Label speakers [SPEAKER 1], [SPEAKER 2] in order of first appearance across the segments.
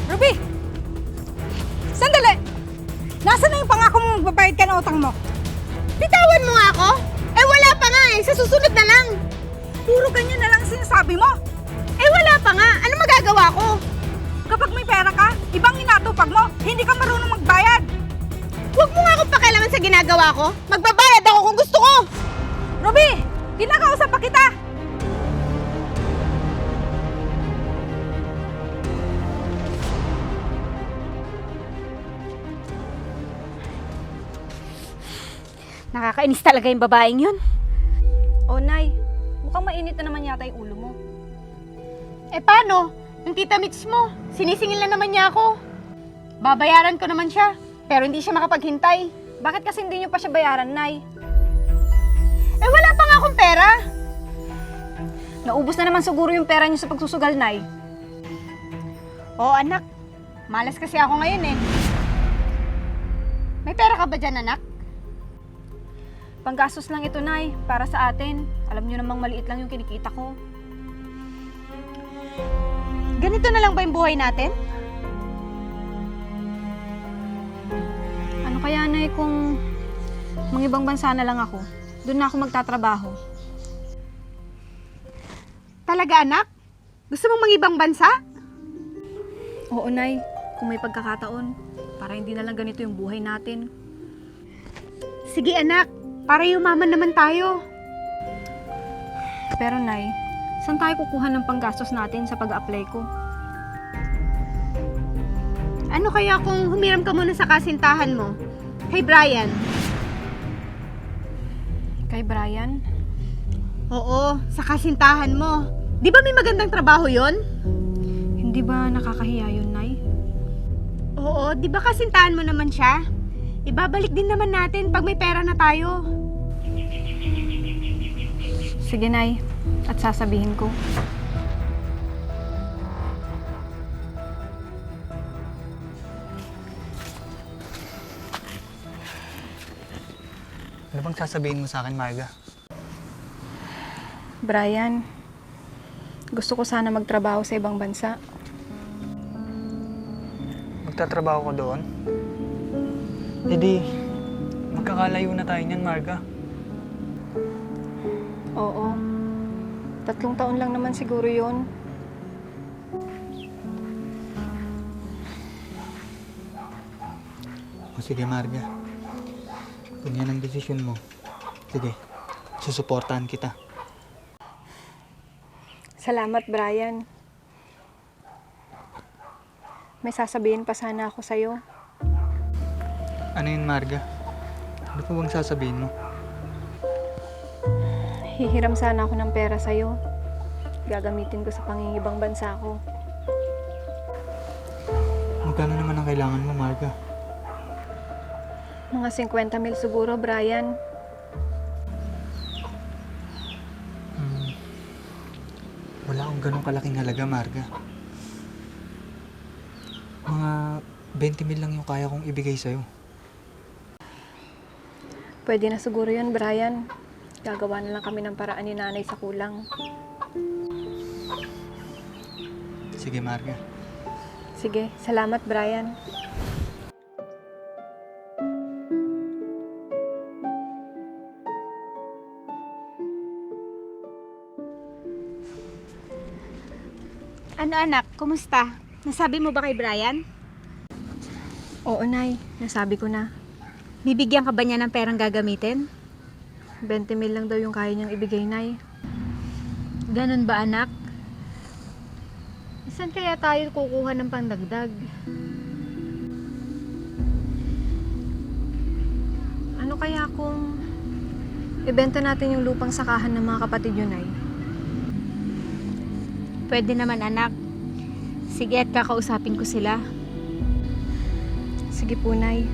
[SPEAKER 1] Ruby! Sandali! Nasaan na yung pangako mo magbabayad ka ng utang mo?
[SPEAKER 2] Bitawan mo nga ako? Eh wala pa nga eh, sa susunod na lang.
[SPEAKER 1] Puro ganyan na lang sinasabi mo.
[SPEAKER 2] Eh wala pa nga, ano magagawa ko?
[SPEAKER 1] Kapag may pera ka, ibang inatupag mo. Hindi ka marunong magbayad.
[SPEAKER 2] Huwag mo nga akong pakialaman sa ginagawa ko. Magbabayad ako kung gusto ko.
[SPEAKER 1] Ruby! Kinakausap pa kita!
[SPEAKER 2] Nakakainis talaga yung babaeng yun.
[SPEAKER 1] Oh, Nay. Mukhang mainit na naman yata yung ulo mo.
[SPEAKER 2] Eh paano? Yung tita Mitch mo, sinisingil na naman niya ako. Babayaran ko naman siya, pero hindi siya makapaghintay.
[SPEAKER 1] Bakit kasi hindi niyo pa siya bayaran, Nay?
[SPEAKER 2] Eh wala pa nga akong pera.
[SPEAKER 1] Naubos na naman siguro yung pera niyo sa pagsusugal, Nay.
[SPEAKER 2] Oo anak, malas kasi ako ngayon eh. May pera ka ba dyan anak?
[SPEAKER 1] Panggastos lang ito, Nay, para sa atin. Alam niyo namang maliit lang yung kinikita ko.
[SPEAKER 2] Ganito na lang ba yung buhay natin?
[SPEAKER 1] Ano kaya, Nay, kung mangibang bansa na lang ako? Doon na ako magtatrabaho.
[SPEAKER 2] Talaga anak? Gusto mong mangibang bansa?
[SPEAKER 1] Oo, Nay. Kung may pagkakataon, para hindi na lang ganito yung buhay natin.
[SPEAKER 2] Sige anak, para yumaman naman tayo.
[SPEAKER 1] Pero, Nay, saan tayo kukuha ng panggastos natin sa pag-apply ko?
[SPEAKER 2] Ano kaya kung humiram ka muna sa kasintahan mo? Kay Brian.
[SPEAKER 1] Kay Brian?
[SPEAKER 2] Oo, sa kasintahan mo. Di ba may magandang trabaho yon?
[SPEAKER 1] Hindi ba nakakahiya yun, Nay?
[SPEAKER 2] Oo, di ba kasintahan mo naman siya? Ibabalik din naman natin pag may pera na tayo.
[SPEAKER 1] Sige, Nay. At sasabihin ko.
[SPEAKER 3] Ano bang sasabihin mo sa akin, Marga?
[SPEAKER 1] Brian, gusto ko sana magtrabaho sa ibang bansa.
[SPEAKER 3] Magtatrabaho ko doon? E di, magkakalayo na tayo niyan, Marga.
[SPEAKER 1] Oo. 3 taon lang naman siguro yun.
[SPEAKER 3] O sige, Marga. Kung yan ang desisyon mo, sige, susuportahan kita.
[SPEAKER 1] Salamat, Brian. May sasabihin pa sana ako sa'yo.
[SPEAKER 3] Ano yun, Marga? Ano pa bang sasabihin mo?
[SPEAKER 1] Hihiram sana ako ng pera sa'yo. Gagamitin ko sa pangingibang bansa ko.
[SPEAKER 3] Magkano naman ang kailangan mo, Marga?
[SPEAKER 1] Mga 50,000 siguro, Brian.
[SPEAKER 3] Wala akong ganong kalaking halaga, Marga. Mga 20,000 lang yung kaya kong ibigay sa'yo.
[SPEAKER 1] Pwede na siguro yun, Brian. Gagawa na lang kami ng paraan ni nanay sa kulang.
[SPEAKER 3] Sige, Marga.
[SPEAKER 1] Sige, salamat, Brian.
[SPEAKER 2] Ano anak, kumusta? Nasabi mo ba kay Brian?
[SPEAKER 1] Oo, Nay. Nasabi ko na.
[SPEAKER 2] Bibigyan ka ba niya ng perang gagamitin?
[SPEAKER 1] 20,000 lang daw yung kaya niyang ibigay, Nay.
[SPEAKER 2] Ganun ba anak? Saan kaya tayo kukuha ng pandagdag?
[SPEAKER 1] Ano kaya kung ibenta natin yung lupang sakahan ng mga kapatid yun, Nay?
[SPEAKER 2] Pwede naman anak. Sige at kakausapin ko sila.
[SPEAKER 1] Sige po, Nay.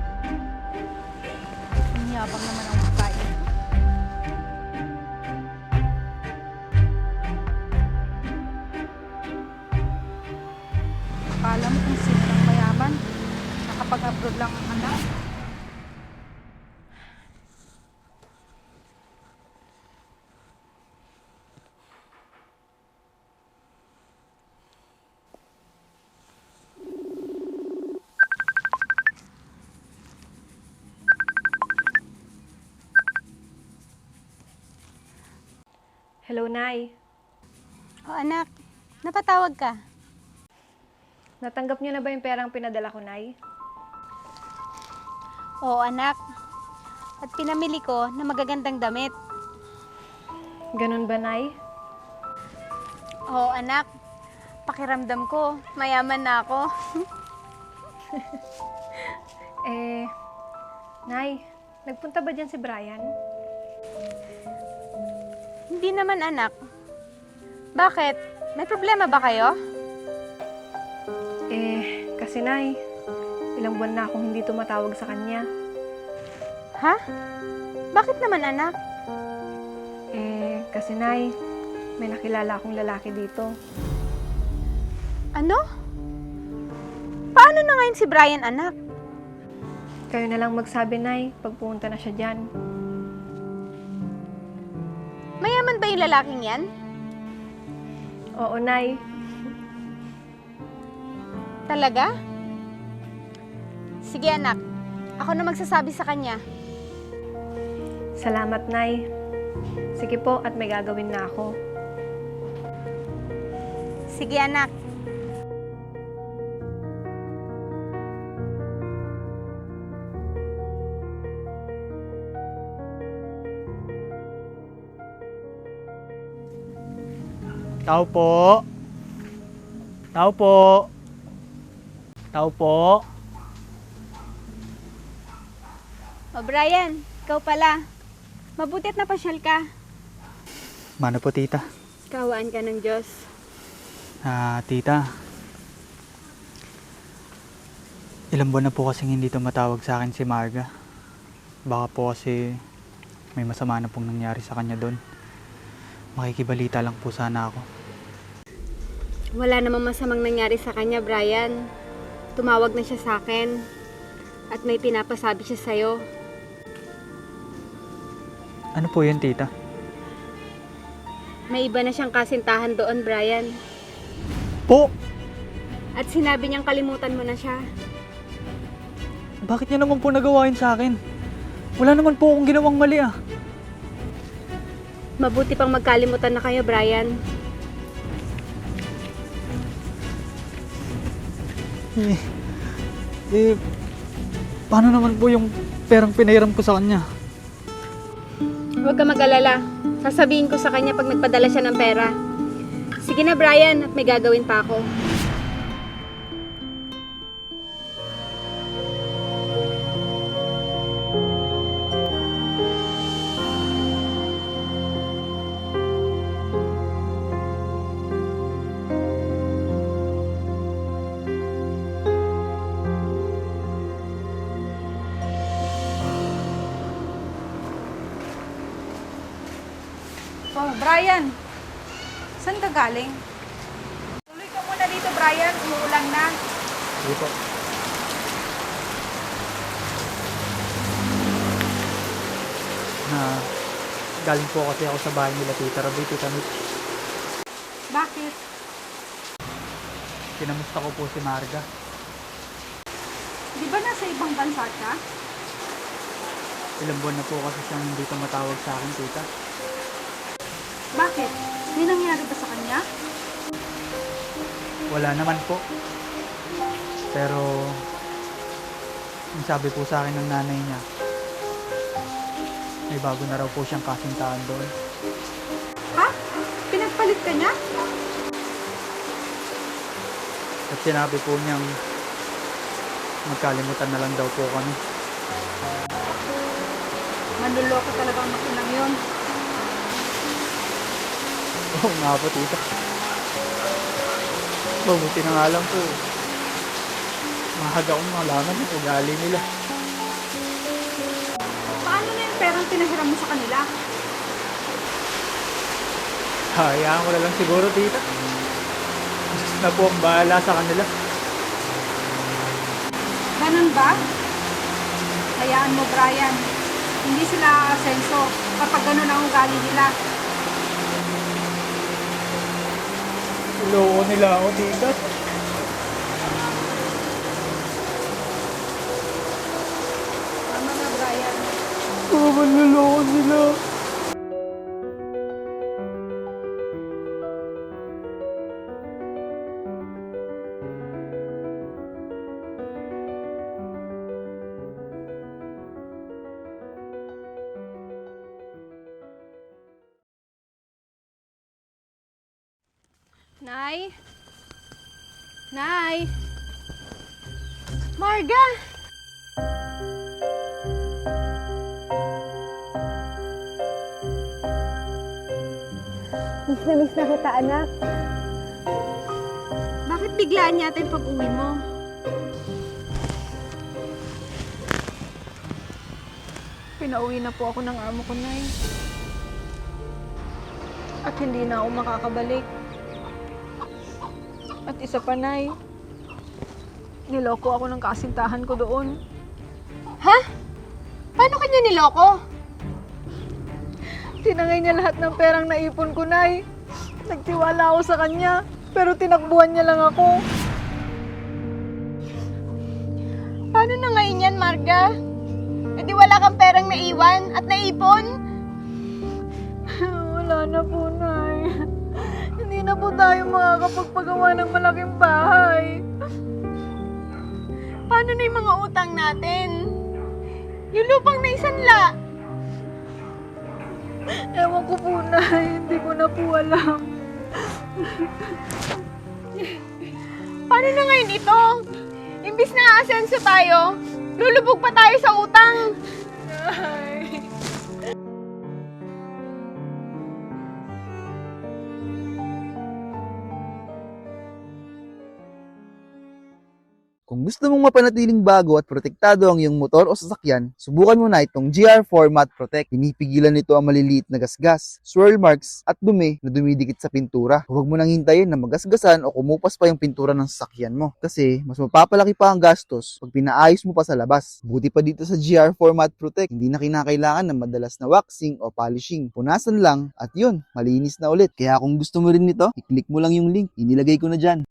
[SPEAKER 2] Ang yabang naman ang babae.
[SPEAKER 1] lang, anak.
[SPEAKER 4] Hello, Nay.
[SPEAKER 2] Oh anak, napatawag ka.
[SPEAKER 4] Natanggap niyo na ba yung perang pinadala ko, Nay?
[SPEAKER 2] Oo anak. At pinamili ko na magagandang damit.
[SPEAKER 4] Ganun ba, Nay?
[SPEAKER 2] Oo anak. Pakiramdam ko, mayaman na ako.
[SPEAKER 4] Nay, nagpunta ba dyan si Brian?
[SPEAKER 2] Hindi naman anak. Bakit? May problema ba kayo?
[SPEAKER 4] Kasi Nay, ilang buwan na akong hindi tumatawag sa kanya.
[SPEAKER 2] Ha? Bakit naman anak?
[SPEAKER 4] Kasi Nay, may nakilala akong lalaki dito.
[SPEAKER 2] Ano? Paano na ngayon si Brian anak?
[SPEAKER 4] Kayo na lang magsabi, Nay, pag pumunta na siya dyan.
[SPEAKER 2] Mayaman ba yung lalaking yan?
[SPEAKER 4] Oo, Nay.
[SPEAKER 2] Talaga? Sige anak, ako na magsasabi sa kanya.
[SPEAKER 4] Salamat, Nay. Sige po, at may gagawin na ako.
[SPEAKER 2] Sige anak.
[SPEAKER 3] Tao po. Tao po. Tao po.
[SPEAKER 2] O Brian, ikaw pala. Mabuti at napasyal ka.
[SPEAKER 3] Mano po, tita?
[SPEAKER 2] Kawaan ka ng Diyos.
[SPEAKER 3] Tita. Ilang buwan na po kasing hindi tumatawag sa akin si Marga. Baka po kasi may masama na pong nangyari sa kanya doon. Makikibalita lang po sana ako.
[SPEAKER 2] Wala namang masamang nangyari sa kanya, Brian. Tumawag na siya sa akin. At may pinapasabi siya sa'yo.
[SPEAKER 3] Ano po yun, tita?
[SPEAKER 2] May iba na siyang kasintahan doon, Brian.
[SPEAKER 3] Po!
[SPEAKER 2] At sinabi niyang kalimutan mo na siya.
[SPEAKER 3] Bakit niya naman po nagawa yun sa akin? Wala naman po akong ginawang mali ah.
[SPEAKER 2] Mabuti pang magkalimutan na kayo, Brian.
[SPEAKER 3] Paano naman po yung perang pinahiram ko sa kanya?
[SPEAKER 2] Huwag ka mag-alala. Sasabihin ko sa kanya pag nagpadala siya ng pera. Sige na, Brian, at may gagawin pa ako.
[SPEAKER 1] Oh, Brian. Saan ka galing? Tuloy ka muna dito, Brian. Umuulan na.
[SPEAKER 3] Sige po. Galing po kasi ako sa bahay nila Tita Rabi, Tita Mitch.
[SPEAKER 1] Bakit?
[SPEAKER 3] Kinamusta ko po si Marga.
[SPEAKER 1] Di ba nasa ibang bansa ka?
[SPEAKER 3] Ilang buwan na po kasi siyang hindi tumatawag sa akin, Tita.
[SPEAKER 1] Bakit? May nangyari ba sa kanya?
[SPEAKER 3] Wala naman po. Pero, ang sabi po sa akin ng nanay niya, may bago na raw po siyang kasintahan doon.
[SPEAKER 1] Ha? Pinagpalit ka niya?
[SPEAKER 3] At sinabi po niyang magkalimutan na lang daw po kami.
[SPEAKER 1] Manluloko talaga ang makinang yun.
[SPEAKER 3] Oo nga po, Tita. Mabuti na nga lang po. Mahaga akong malaman yung ugali nila.
[SPEAKER 1] Paano na yung perang pinahiram mo sa kanila?
[SPEAKER 3] Hayaan ko na lang siguro, Tita. Diyos na po ang bahala sa kanila.
[SPEAKER 1] Ganun ba? Hayaan mo, Brian. Hindi sila aasenso kapag ganun ang ugali nila.
[SPEAKER 3] Loko nila ako, tita.
[SPEAKER 1] Tama na, Brian.
[SPEAKER 3] Niloko sila.
[SPEAKER 1] Nay? Nay?
[SPEAKER 2] Marga! Miss na kita, anak. Bakit biglaan yata yung pag-uwi mo?
[SPEAKER 1] Pinauwi na po ako ng amo ko, Nay. At hindi na ako makakabalik. At isa pa, Nay. Niloko ako ng kasintahan ko doon.
[SPEAKER 2] Ha? Paano kanya niloko?
[SPEAKER 1] Tinangay niya lahat ng perang naipon ko, Nay. Nagtiwala ako sa kanya, pero tinakbuhan niya lang ako.
[SPEAKER 2] Paano na ngayon yan, Marga? E di wala kang perang naiwan at naipon?
[SPEAKER 1] Wala na po, Nay. Hindi na po tayo makakapagpagawa ng malaking bahay.
[SPEAKER 2] Paano na yung mga utang natin? Yung lupang naisanla?
[SPEAKER 1] Ewan ko po, Nay. Hindi ko na po alam.
[SPEAKER 2] Paano na ngayon ito? Imbis na aasenso tayo, lulubog pa tayo sa utang.
[SPEAKER 1] Nay.
[SPEAKER 5] Kung gusto mong mapanatiling bago at protektado ang iyong motor o sasakyan, subukan mo na itong GR4 Matte Protect. Pinipigilan nito ang maliliit na gasgas, swirl marks at dumi na dumidikit sa pintura. Huwag mo nang hintayin na magasgasan o kumupas pa yung pintura ng sasakyan mo. Kasi mas mapapalaki pa ang gastos pag pinaayos mo pa sa labas. Buti pa dito sa GR4 Matte Protect, hindi na kinakailangan ng madalas na waxing o polishing. Punasan lang at yun, malinis na ulit. Kaya kung gusto mo rin nito, i-click mo lang yung link. Inilagay ko na dyan.